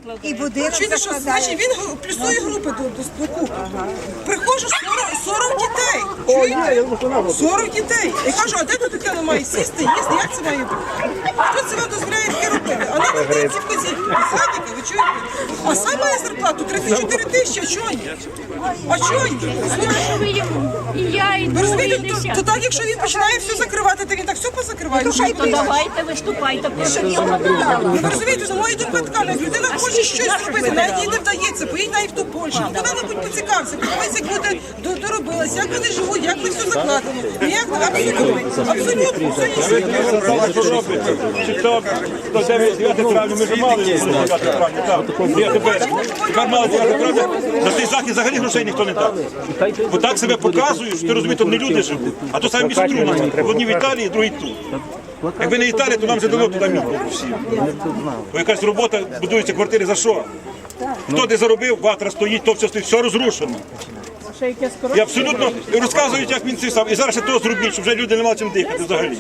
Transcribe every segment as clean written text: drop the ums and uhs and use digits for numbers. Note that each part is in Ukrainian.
І будинок Чуєте, що значить він плюсує групи до купи. Приходжу 40 дітей. Чуєте? 40 дітей. І кажу, а де тут дитина має сісти, їсти, як це має бути? Хто це вам дозволяє таке робити? А нам дають ці вказівки, садики, ви чуєте? А сам має зарплату 34 тисячі, а чого ні? А чого ні? І я, і Ви розумієте, то так, якщо він починає все закривати, то він так все позакриває. Ну, що й то давайте виступайте проти нього. ви розумієте, за мою думку така, як людина хоче щось зробити, навіть їй не вдається, поїдь навіть в ту Польщу, ну куди-небудь поцікався, подивися, як люди доробилися, як вони живуть, як вони все закладено. Ніяк, абсолютно, все є. До 9 травня ми ж мали 9 травня, так. Тепер мали 9 травня, на цей захід взагалі грошей ніхто не дав. Бо так себе показують, що ти розумієш, то не люди живуть, а то саме більше трудно. Одні в Італії, другі тут. Якби не Італія, то нам вже дало туди місце всі. Бо якась робота, будуються квартири за що? Хто де заробив, ватра стоїть, то все розрушено. І абсолютно розказують, як він це сам. І зараз ще то зробіть, щоб вже люди не мали чим дихати взагалі.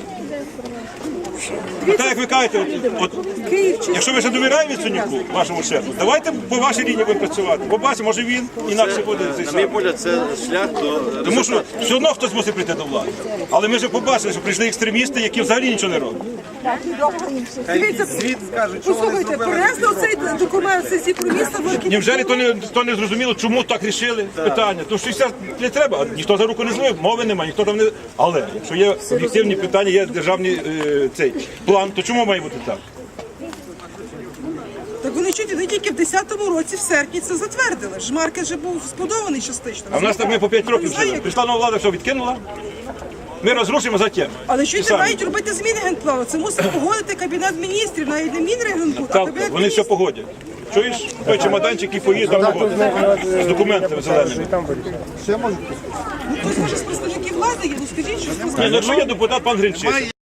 А так, як ви кажете, якщо ви ще довіряєте Яценюку, вашому шефу, давайте по вашій лінії будемо працювати. Побачимо, може він інакше буде цей сам. На мій погляд, це шлях до... Тому що все одно хтось мусить прийти до влади. Але ми вже побачили, що прийшли екстремісти, які взагалі нічого не роблять. Дивіться, послухайте, перенесли оцей документ сесії про місто в Невже то не зрозуміло, чому так рішили питання? Тому що все не треба, ніхто за руку не злив, мови немає, ніхто там не... Але, якщо є об'єктивні питання, є державний цей план, то чому має бути так? Так вони чуєте, вони тільки в 10-му році, в серпні, це затвердили. Жмаркет вже був збудований частично. А в нас так ми по 5 років жили. Прийшла нова влада, все відкинула. Ми розрушимо затем. Але чуєте, мають робити зміни генплану. Це мусить погодити Кабінет міністрів, навіть не Мінрегенбуд, а Так, Кабінет вони все погодять. Чуєш? Той чемоданчик і поїзд там погодить. З документами зеленими. Ну, хтось може з представників влади є, ну скажіть, що з Ні, ну якщо є депутат пан Гринчишин.